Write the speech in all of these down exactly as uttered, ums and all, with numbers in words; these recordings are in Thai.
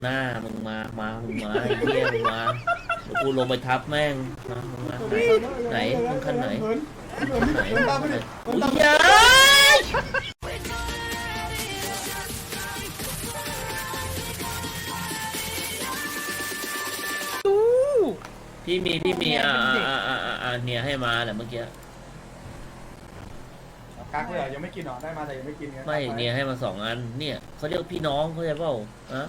หน้ามึงมามามึงมาไอ้เหี้ยมึงมาเดี๋ยวกูลงไปทับแม่งมามึงมาไหนไหนมึงขั้นไหนขั้นไหนอุ้ยยายพี่มีพี่มีอ่าอ่าอ่าอ่าอ่าเนี่ยให้มาแหละเมื่อกี้กักเลยเหรอยังไม่กินหรอได้มาแต่ยังไม่กินไงไม่เนี่ยให้มาสองอันเนี่ยเขาเรียกพี่น้องเขาใจเปล่าอะ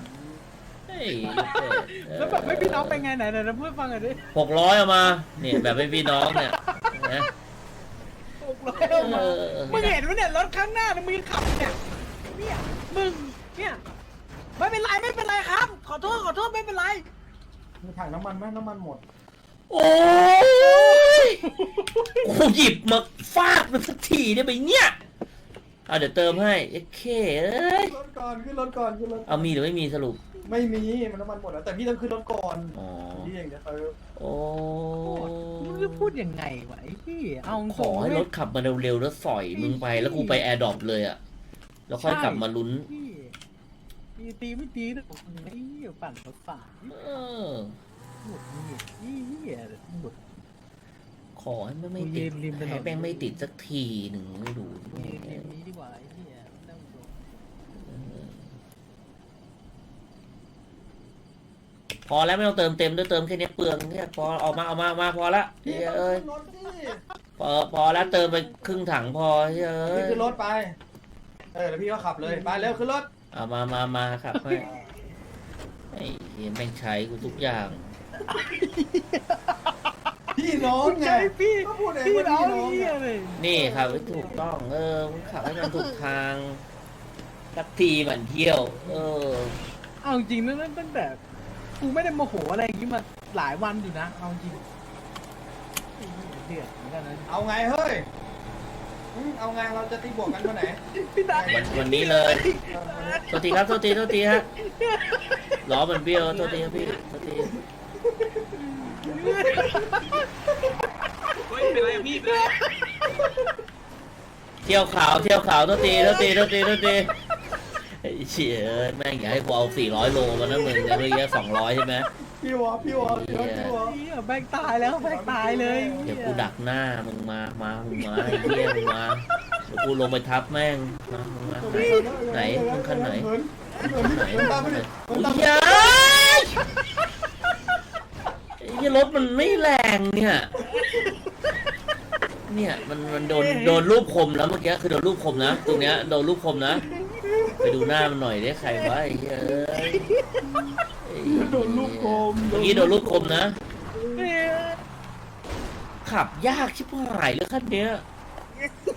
แล้วแบบไม่พี่น้องเป็นไงไหนไหนเราพูดฟังหน่อยดิหกร้อยเอามาเนี่ยแบบไม่พี่น้องเนี่ยนะหกร้อยเอามามึงเห็นไหมเนี่ยรถข้างหน้ามึงขับเนี่ยเนี่ยมึงเนี่ยไม่เป็นไรไม่เป็นไรครับขอโทษขอโทษไม่เป็นไรมีถังน้ำมันไหมน้ำมันหมดโอ้ยกูหยิบมาฟาดมันสักทีได้ไหมเนี่ยเอาเดี๋ยวเติมให้เอ็กเคเอ้ยรถก่อนขึ้นรถก่อนขึ้นรถเอามีหรือไม่มีสรุปไม่มีมันน้ำมันหมดแล้วแต่พี่ต้องขึ้นรถก่อนอ๋อพี่เองเดี๋ยวเติมโอ้มึงจะพูดยังไงวะไอ้พี่เอาขอให้รถขับมาเร็วๆแล้วสอยมึงไปแล้วกูไปแอร์ดรอปเลยอะแล้วค่อยกลับมาลุ้นตีตีไม่ตีนะไอ้เหี้ยปั่นรถฝ่าเออหมดนี่นี่เหี้ยหมดขอให้ไม่ไม่ติดให้แป้งไม่ติดสักทีหนึ่งไม่ดูนี้ดีกว่าไอ้เหี้ยพอแล้วไม่ต้องเติมเต็มด้วยเติมแค่นี้เปลืองเนี่ยพอเอามาเอามามาพอละเอ้ยพอพอแล้วเติมไปครึ่งถังพอเฮ้ยพี่ขึ้นรถไปเออแล้วพี่ก็ขับเลยไปเร็วขึ้นรถเอามามามาครับให้ไอ้เหี้ยแม่งใช้กูทุกอย่างพี่น้องไงพี่พี่น้องเลยนี่ครับถูกต้องเออมึงขับให้มันถูกทางสักทีมันเที่ยวเออเอาจริงนะตั้งแต่กูไม่ได้โมโหอะไรอย่างนี้มาหลายวันอยู่นะเอาจริงเดือดเหมือนกันนะเอาไงเฮ้ยเอาไงเราจะตีบวกกันวันไหนวันวันนี้เลยโทษทีครับโทษทีโทษทีฮะล้อมันเบี้ยวโทษทีครับพี่โทษทีเป็นไรพี่เป็นไรเที่ยวขาวเที่ยวขาวโทษทีโทษทีโทษทีโทษทีไอ้เชี่ยแม่งอยากให้กูเอาสี่ร้อยโลมานะมึงเนี่ยเมื่อกี้สองร้อยใช่ไหมพี่วะพี่วะพี่วะพี่วะแบงตายแล้วแบงตายเลยเดี๋ยวกูดักหน้ามึงมามามึงมาไอ้เหี้ยมึงมาเดี๋ยวกูลงไปทับแม่งมามึงมาไหนมึงขั้นไหนไหนอุ้ยยายไอ้เหี้ยรถมันไม่แรงเนี่ยเนี่ยมันมันโดนโดนรูปคมแล้วเมื่อกี้คือโดนรูปคมนะตรงเนี้ยโดนรูปคมนะไปดูหน้ามันหน่อยได้ใครวะไอ้เหี้ยโดนลูกคมเมื่อกี้โดนลูกคมนะขับยากชิบหายเลยคันเนี้ย